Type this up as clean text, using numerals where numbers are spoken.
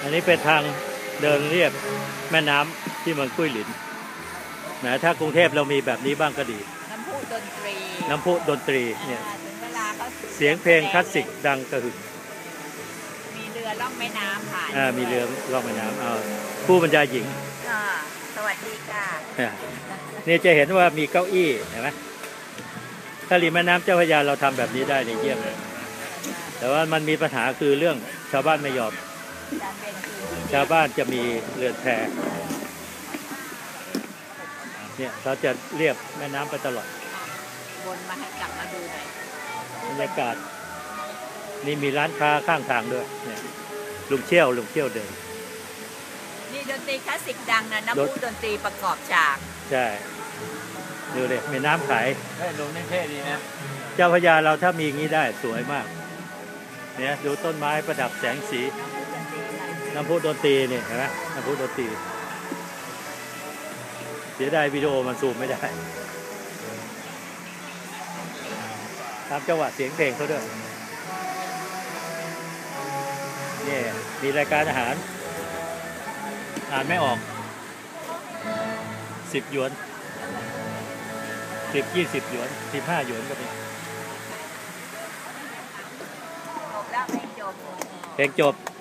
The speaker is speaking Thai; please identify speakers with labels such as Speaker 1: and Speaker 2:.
Speaker 1: อันนี้เป็นทางเดินเรียบแม่น้ำที่เมืองกุ้ยหลินนะถ้ากรุงเทพเรามีแบบนี้บ้างก็ดี
Speaker 2: น้ำพุดนตรี
Speaker 1: เนี่ย
Speaker 2: ถึงเวลาเขา
Speaker 1: เสียงเพลงคลาสสิกดังกระหึ่ม
Speaker 2: มีเรือล่องแม่น้ำผ่าน
Speaker 1: มีเรือล่องแม่น้ำผู้บรรยายหญิง
Speaker 2: สวัสดีค่ะ
Speaker 1: นี่จะเห็นว่ามีเก้าอี้เห็นไหมถ้าริมแม่น้ำเจ้าพระยาเราทำแบบนี้ได้ในเยี่ยมเลยแต่ว่ามันมีปัญหาคือเรื่องชาวบ้านไม่ยอมชาวบ้านจะมีเรือนแพเนี่ยเขาจะเรียบแม่น้ำไปตลอด
Speaker 2: วนมาให้กลับมาดูหน่อย
Speaker 1: บรรยากาศนี่มีร้านค้าข้างทางด้วยเนี่ยลุงเชี่ยวเดิน
Speaker 2: นี่ดนตรีคลาสสิกดังนะน้ำพุดนตรีประกอบฉาก
Speaker 1: ใช่ดูเลยมีน้ำขาย
Speaker 3: ลงเท่ดีนะ
Speaker 1: เจ้าพระยาเราถ้ามีอย่างนี้ได้สวยมากเนี่ยดูต้นไม้ประดับแสงสีน้ำพุดนตรีนี่เห็นไหมน้ำพุดนตรีเสียดายวิดีโอมันซูมไม่ได้ตามจังหวะเสียงเพลงเขาด้วยนี่มีรายการอาหารอ่านไม่ออก10 หยวน10 20 หยวน15 หยวนก็มี
Speaker 2: จบแล้วเพลงจบ